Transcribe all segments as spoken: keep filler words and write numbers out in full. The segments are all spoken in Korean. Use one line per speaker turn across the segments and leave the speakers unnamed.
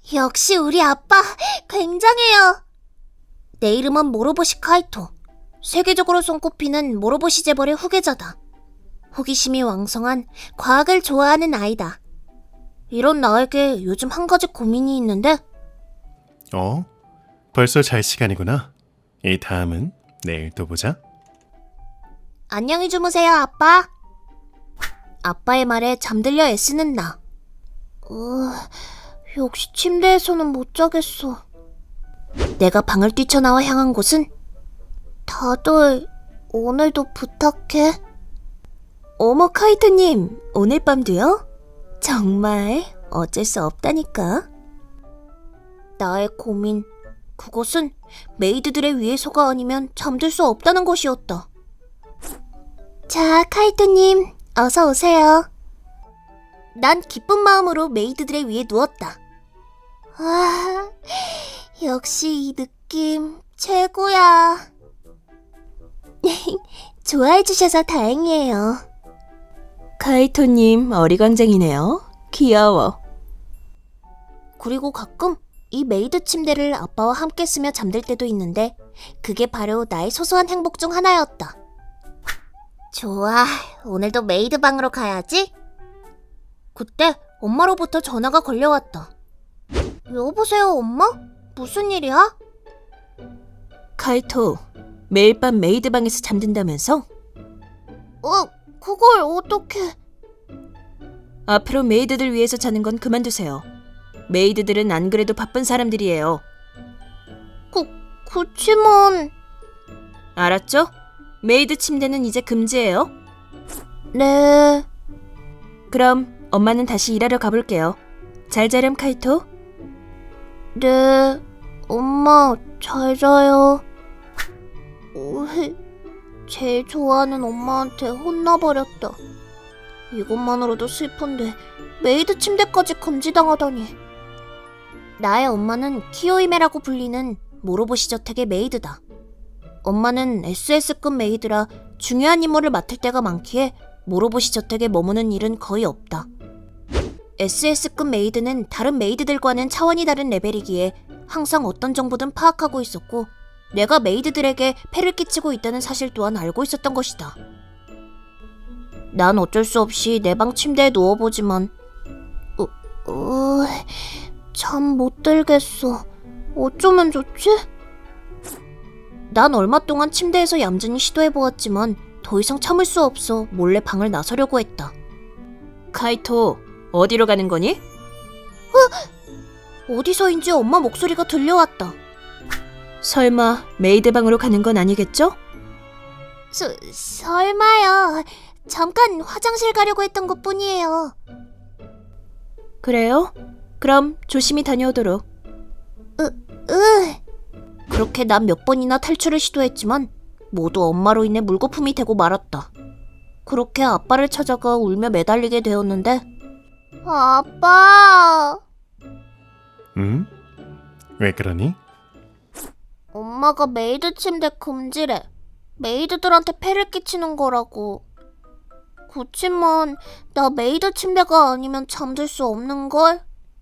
역시 우리 아빠 굉장해요. 내 이름은 모로보시 카이토. 세계적으로 손꼽히는 모로보시 재벌의 후계자다. 호기심이 왕성한 과학을 좋아하는 아이다. 이런 나에게 요즘 한 가지 고민이 있는데.
어? 벌써 잘 시간이구나. 이 다음은 내일 또 보자.
안녕히 주무세요, 아빠. 아빠의 말에 잠들려 애쓰는 나. 으, 역시 침대에서는 못 자겠어. 내가 방을 뛰쳐나와 향한 곳은 다들 오늘도 부탁해. 어머 카이토님, 오늘 밤도요? 정말 어쩔 수 없다니까. 나의 고민, 그것은 메이드들의 위해서가 아니면 잠들 수 없다는 것이었다. 자, 카이토님, 어서 오세요. 난 기쁜 마음으로 메이드들의 위에 누웠다. 아, 역시 이 느낌 최고야. 좋아해 주셔서 다행이에요.
카이토님 어리광쟁이네요. 귀여워.
그리고 가끔 이 메이드 침대를 아빠와 함께 쓰며 잠들 때도 있는데 그게 바로 나의 소소한 행복 중 하나였다. 좋아, 오늘도 메이드 방으로 가야지. 그때 엄마로부터 전화가 걸려왔다. 여보세요, 엄마? 무슨 일이야?
카이토, 매일 밤 메이드 방에서 잠든다면서?
어, 그걸 어떻게...
앞으로 메이드들 위해서 자는 건 그만두세요. 메이드들은 안 그래도 바쁜 사람들이에요.
그, 그치만...
알았죠? 메이드 침대는 이제 금지예요.
네...
그럼 엄마는 다시 일하러 가볼게요. 잘 자렴, 카이토.
네... 엄마, 잘 자요. 제일 좋아하는 엄마한테 혼나버렸다. 이것만으로도 슬픈데 메이드 침대까지 금지당하다니. 나의 엄마는 키요이메라고 불리는 모로보시 저택의 메이드다. 엄마는 에스에스급 메이드라 중요한 임무를 맡을 때가 많기에 모로보시 저택에 머무는 일은 거의 없다. 에스에스급 메이드는 다른 메이드들과는 차원이 다른 레벨이기에 항상 어떤 정보든 파악하고 있었고 내가 메이드들에게 폐를 끼치고 있다는 사실 또한 알고 있었던 것이다. 난 어쩔 수 없이 내 방 침대에 누워보지만 어, 어, 잠 못 들겠어. 어쩌면 좋지? 난 얼마 동안 침대에서 얌전히 시도해보았지만 더 이상 참을 수 없어 몰래 방을 나서려고 했다.
카이토, 어디로 가는 거니?
어? 어디서인지 엄마 목소리가 들려왔다.
설마 메이드 방으로 가는 건 아니겠죠?
서, 설마요. 잠깐 화장실 가려고 했던 것뿐이에요.
그래요? 그럼 조심히 다녀오도록.
으, 으. 그렇게 난 몇 번이나 탈출을 시도했지만 모두 엄마로 인해 물거품이 되고 말았다. 그렇게 아빠를 찾아가 울며 매달리게 되었는데 아빠!
응? 왜 그러니?
엄마가 메이드 침대 금지래. 메이드들한테 폐를 끼치는 거라고. 그치만 나 메이드 침대가 아니면 잠들 수 없는걸?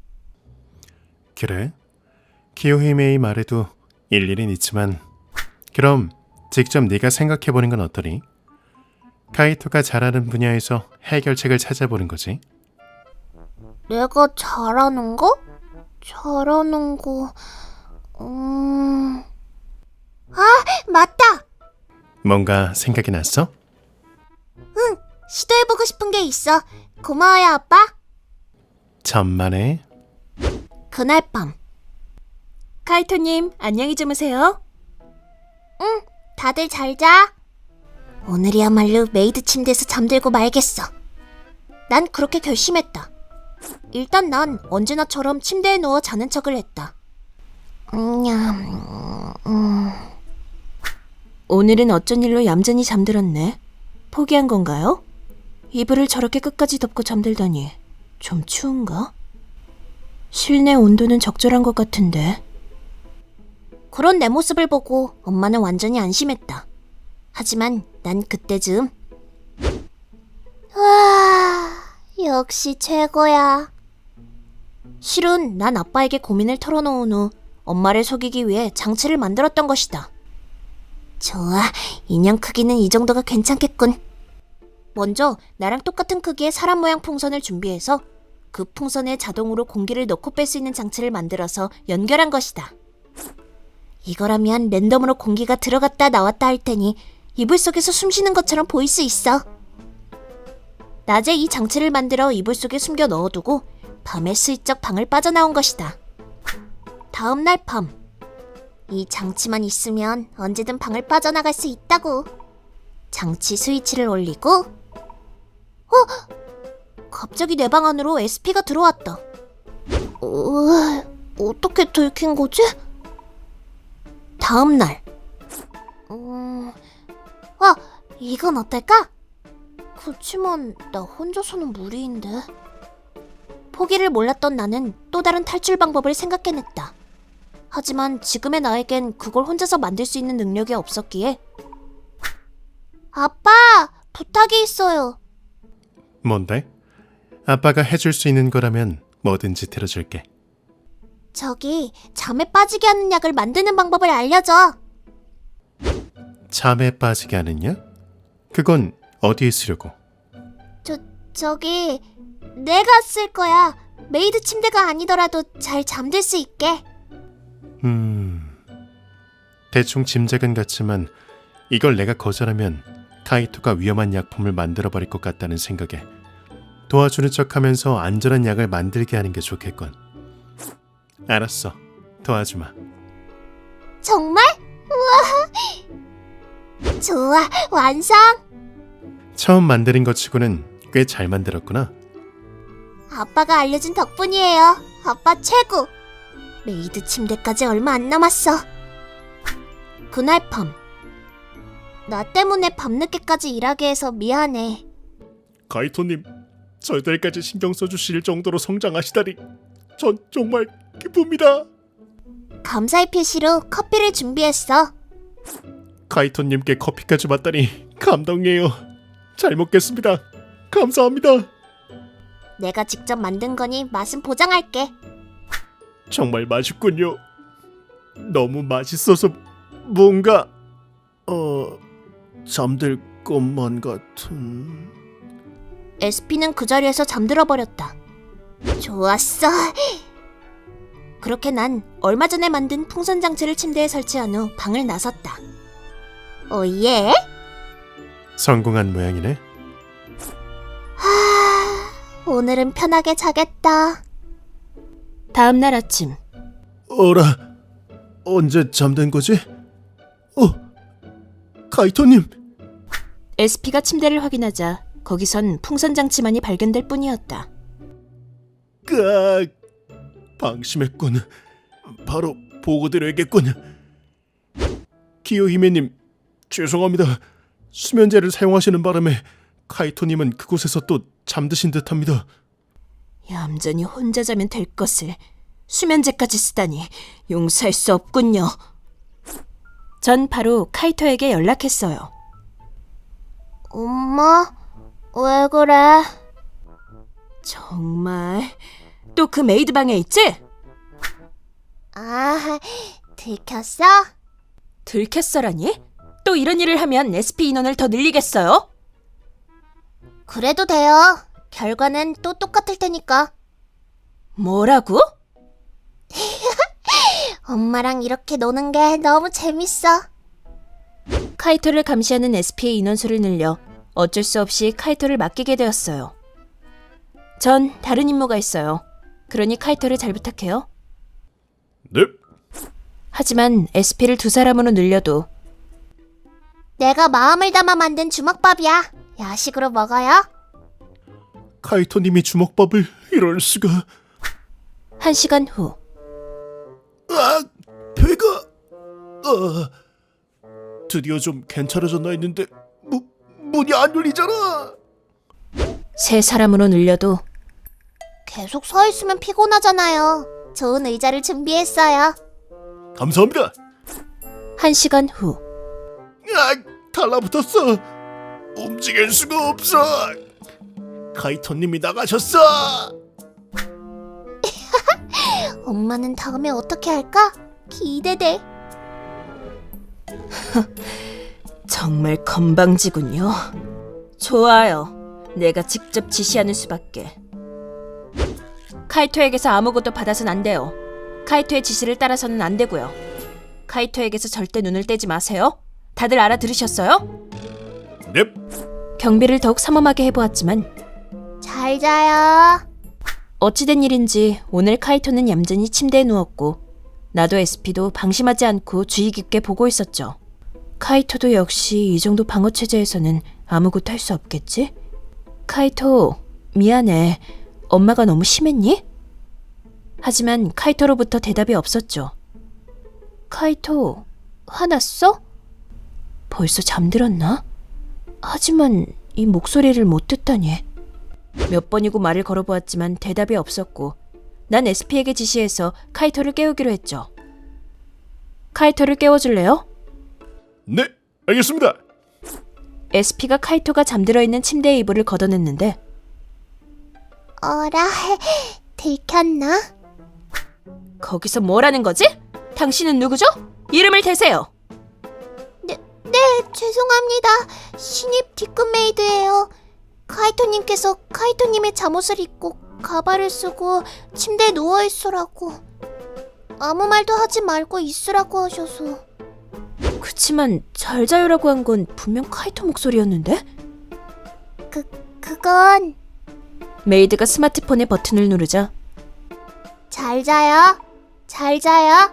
그래? 키요히메의 말에도 일리는 있지만 그럼 직접 네가 생각해보는 건 어떠니? 카이토가 잘하는 분야에서 해결책을 찾아보는 거지.
내가 잘하는 거? 잘하는 거... 음... 아! 맞다!
뭔가 생각이 났어?
응! 시도해보고 싶은 게 있어. 고마워요, 아빠.
천만에.
그날 밤
카이토님, 안녕히 주무세요.
응, 다들 잘 자. 오늘이야말로 메이드 침대에서 잠들고 말겠어. 난 그렇게 결심했다. 일단 난 언제나처럼 침대에 누워 자는 척을 했다. 음, 음...
오늘은 어쩐 일로 얌전히 잠들었네. 포기한 건가요? 이불을 저렇게 끝까지 덮고 잠들다니 좀 추운가? 실내 온도는 적절한 것 같은데.
그런 내 모습을 보고 엄마는 완전히 안심했다. 하지만 난 그때쯤 와, 역시 최고야.
실은 난 아빠에게 고민을 털어놓은 후 엄마를 속이기 위해 장치를 만들었던 것이다. 좋아, 인형 크기는 이 정도가 괜찮겠군. 먼저 나랑 똑같은 크기의 사람 모양 풍선을 준비해서 그 풍선에 자동으로 공기를 넣고 뺄 수 있는 장치를 만들어서 연결한 것이다. 이거라면 랜덤으로 공기가 들어갔다 나왔다 할 테니 이불 속에서 숨 쉬는 것처럼 보일 수 있어. 낮에 이 장치를 만들어 이불 속에 숨겨 넣어두고 밤에 슬쩍 방을 빠져나온 것이다. 다음 날 밤, 이 장치만 있으면 언제든 방을 빠져나갈 수 있다고. 장치 스위치를 올리고, 어? 갑자기 내 방 안으로 에스피가 들어왔다. 어, 어떻게 들킨 거지? 다음 날, 음, 아, 이건 어떨까? 그치만 나 혼자서는 무리인데. 포기를 몰랐던 나는 또 다른 탈출 방법을 생각해냈다. 하지만 지금의 나에겐 그걸 혼자서 만들 수 있는 능력이 없었기에. 아빠, 부탁이 있어요.
뭔데? 아빠가 해줄 수 있는 거라면 뭐든지 들어줄게.
저기 잠에 빠지게 하는 약을 만드는 방법을 알려줘.
잠에 빠지게 하느냐? 그건 어디에 쓰려고?
저, 저기 내가 쓸 거야. 메이드 침대가 아니더라도 잘 잠들 수 있게.
음... 대충 짐작은 같지만 이걸 내가 거절하면 카이토가 위험한 약품을 만들어버릴 것 같다는 생각에 도와주는 척하면서 안전한 약을 만들게 하는 게 좋겠군. 알았어, 도와주마.
정말? 우와. 좋아, 완성.
처음 만드는 것 치고는 꽤 잘 만들었구나.
아빠가 알려준 덕분이에요. 아빠 최고. 메이드 침대까지 얼마 안 남았어. 그날 밤, 나 때문에 밤늦게까지 일하게 해서 미안해.
카이토님, 저희들까지 신경 써주실 정도로 성장하시다니 전 정말 기쁩니다.
감사의 표시로 커피를 준비했어.
카이토님께 커피까지 받다니 감동이에요. 잘 먹겠습니다. 감사합니다.
내가 직접 만든 거니 맛은 보장할게.
정말 맛있군요. 너무 맛있어서 뭔가 어 잠들 것만 같은.
에스피는 그 자리에서 잠들어 버렸다. 좋았어. 그렇게 난 얼마 전에 만든 풍선 장치를 침대에 설치한 후 방을 나섰다. 오예?
성공한 모양이네.
하... 오늘은 편하게 자겠다.
다음 날 아침,
어라, 언제 잠든 거지? 어, 카이토님.
에스피가 침대를 확인하자 거기선 풍선 장치만이 발견될 뿐이었다.
까 방심했군. 바로 보고드려야겠군. 기요히메님, 죄송합니다. 수면제를 사용하시는 바람에 카이토님은 그곳에서 또 잠드신 듯합니다.
얌전히 혼자 자면 될 것을 수면제까지 쓰다니 용서할 수 없군요. 전 바로 카이토에게 연락했어요.
엄마, 왜 그래?
정말 또 그 메이드 방에 있지?
아, 들켰어?
들켰어라니? 또 이런 일을 하면 에스피 인원을 더 늘리겠어요?
그래도 돼요. 결과는 또 똑같을 테니까.
뭐라고?
엄마랑 이렇게 노는 게 너무 재밌어.
카이토를 감시하는 에스피의 인원수를 늘려 어쩔 수 없이 카이토를 맡기게 되었어요. 전 다른 임무가 있어요. 그러니 카이토를 잘 부탁해요.
네.
하지만 에스피를 두 사람으로 늘려도
내가 마음을 담아 만든 주먹밥이야. 야식으로 먹어요.
카이토님이 주먹밥을 이럴 수가.
한 시간 후
아, 배가. 아, 드디어 좀 괜찮아졌나 했는데 무, 문이 안 열리잖아.
세 사람으로 늘려도
계속 서 있으면 피곤하잖아요. 좋은 의자를 준비했어요.
감사합니다.
한 시간 후
아, 달라붙었어. 움직일 수가 없어. 카이토님이 나가셨어.
엄마는 다음에 어떻게 할까? 기대돼.
정말 건방지군요. 좋아요. 내가 직접 지시하는 수밖에. 카이토에게서 아무것도 받아선 안 돼요. 카이토의 지시를 따라서는 안 되고요. 카이토에게서 절대 눈을 떼지 마세요. 다들 알아들으셨어요?
넵.
경비를 더욱 삼엄하게 해보았지만
잘 자요.
어찌된 일인지 오늘 카이토는 얌전히 침대에 누웠고 나도 에스피도 방심하지 않고 주의 깊게 보고 있었죠. 카이토도 역시 이 정도 방어 체제에서는 아무것도 할 수 없겠지? 카이토, 미안해. 엄마가 너무 심했니? 하지만 카이토로부터 대답이 없었죠. 카이토, 화났어? 벌써 잠들었나? 하지만 이 목소리를 못 듣다니. 몇 번이고 말을 걸어보았지만 대답이 없었고 난 에스피에게 지시해서 카이토를 깨우기로 했죠. 카이토를 깨워줄래요?
네, 알겠습니다.
에스피가 카이토가 잠들어 있는 침대의 이불을 걷어냈는데
어라, 들켰나?
거기서 뭐라는 거지? 당신은 누구죠? 이름을 대세요.
네, 네, 죄송합니다. 신입 뒤끝 메이드예요. 카이토님께서 카이토님의 잠옷을 입고 가발을 쓰고 침대에 누워있으라고. 아무 말도 하지 말고 있으라고 하셔서.
그치만 잘 자요라고 한 건 분명 카이토 목소리였는데?
그, 그건
메이드가 스마트폰의 버튼을 누르자
잘 자요. 잘 자요.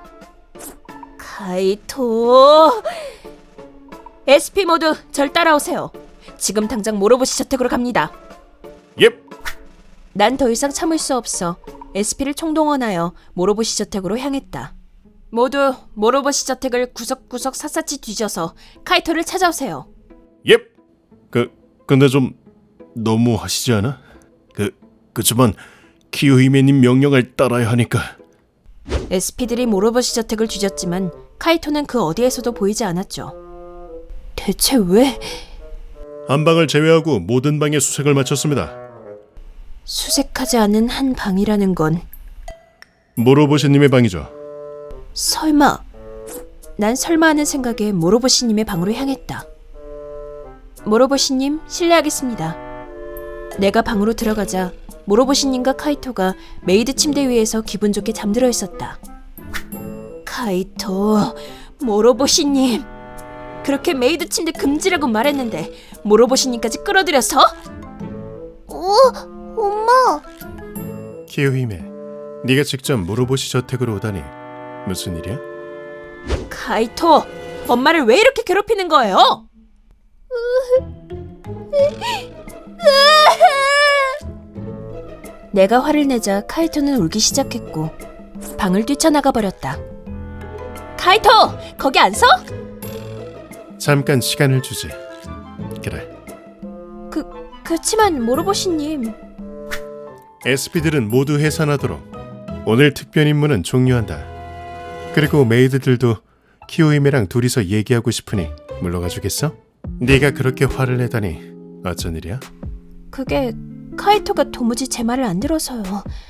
카이토... 에스피 모두 절 따라오세요. 지금 당장 모로보시 저택으로 갑니다.
옙.
난 더 이상 참을 수 없어 에스피를 총동원하여 모로보시 저택으로 향했다. 모두 모로보시 저택을 구석구석 샅샅이 뒤져서 카이토를 찾아오세요.
옙. 그 근데 좀 너무 하시지 않아? 그 그치만 키요히메님 명령을 따라야 하니까.
에스피들이 모로보시 저택을 뒤졌지만 카이토는 그 어디에서도 보이지 않았죠. 대체 왜?
한 방을 제외하고 모든 방에 수색을 마쳤습니다.
수색하지 않은 한 방이라는 건
모로보시님의 방이죠.
설마... 난 설마 하는 생각에 모로보시님의 방으로 향했다. 모로보시님, 실례하겠습니다. 내가 방으로 들어가자 모로보시님과 카이토가 메이드 침대 위에서 기분 좋게 잠들어 있었다. 카이토, 모로보시님, 그렇게 메이드 침대 금지라고 말했는데 모로보시님까지 끌어들여서?
어, 엄마.
키요히메, 네가 직접 모로보시 저택으로 오다니 무슨 일이야?
카이토, 엄마를 왜 이렇게 괴롭히는 거예요? 내가 화를 내자 카이토는 울기 시작했고 방을 뛰쳐나가 버렸다. 카이토, 거기 안 서?
잠깐 시간을 주지. 그래.
그, 그치만 모로보시님.
에스피들은 모두 해산하도록. 오늘 특별 임무는 종료한다. 그리고 메이드들도 키요히메랑 둘이서 얘기하고 싶으니 물러가 주겠어? 네가 그렇게 화를 내다니 어쩐 일이야?
그게 카이토가 도무지 제 말을 안 들어서요.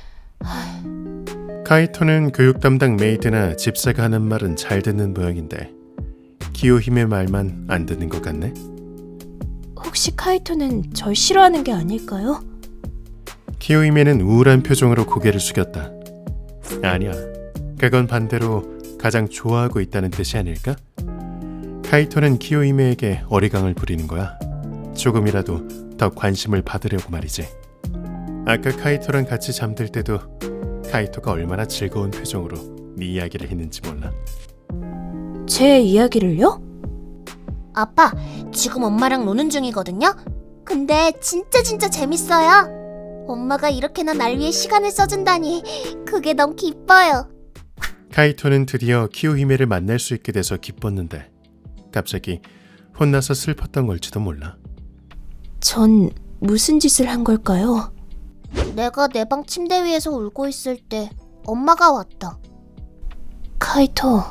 카이토는 교육 담당 메이드나 집사가 하는 말은 잘 듣는 모양인데 키요히메 말만 안 듣는 것 같네.
혹시 카이토는 절 싫어하는 게 아닐까요?
키요히메는 우울한 표정으로 고개를 숙였다. 아니야, 그건 반대로 가장 좋아하고 있다는 뜻이 아닐까? 카이토는 키요히메에게 어리광을 부리는 거야. 조금이라도 더 관심을 받으려고 말이지. 아까 카이토랑 같이 잠들 때도 카이토가 얼마나 즐거운 표정으로 네 이야기를 했는지 몰라.
제 이야기를요?
아빠, 지금 엄마랑 노는 중이거든요? 근데 진짜 진짜 재밌어요. 엄마가 이렇게나 날 위해 시간을 써준다니 그게 너무 기뻐요.
카이토는 드디어 키요히메를 만날 수 있게 돼서 기뻤는데 갑자기 혼나서 슬펐던 걸지도 몰라.
전 무슨 짓을 한 걸까요?
내가 내 방 침대 위에서 울고 있을 때 엄마가 왔다.
카이토,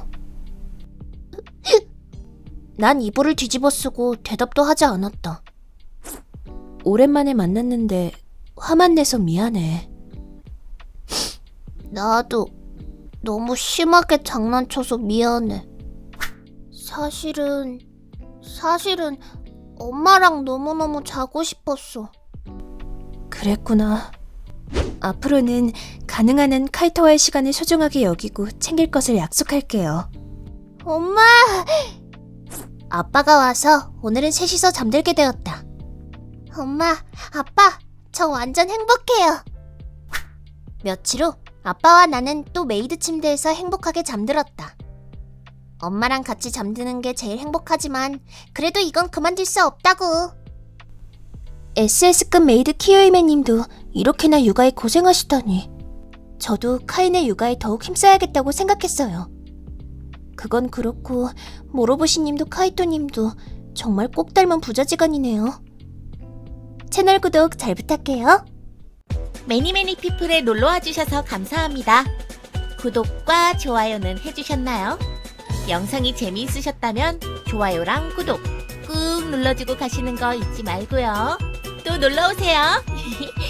난 이불을 뒤집어 쓰고 대답도 하지 않았다.
오랜만에 만났는데 화만 내서 미안해.
나도 너무 심하게 장난쳐서 미안해. 사실은, 사실은 엄마랑 너무너무 자고 싶었어.
그랬구나. 앞으로는 가능한 한 카이토와의 시간을 소중하게 여기고 챙길 것을 약속할게요.
엄마! 아빠가 와서 오늘은 셋이서 잠들게 되었다. 엄마, 아빠, 저 완전 행복해요. 며칠 후 아빠와 나는 또 메이드 침대에서 행복하게 잠들었다. 엄마랑 같이 잠드는 게 제일 행복하지만 그래도 이건 그만둘 수 없다고.
에스에스급 메이드 키요이메 님도 이렇게나 육아에 고생하시다니. 저도 카인의 육아에 더욱 힘써야겠다고 생각했어요. 그건 그렇고 모로보시 님도 카이토 님도 정말 꼭 닮은 부자지간이네요. 채널 구독 잘 부탁해요.
매니매니 피플에 놀러와 주셔서 감사합니다. 구독과 좋아요는 해주셨나요? 영상이 재미있으셨다면 좋아요랑 구독 꾹 눌러주고 가시는 거 잊지 말고요. 또 놀러오세요.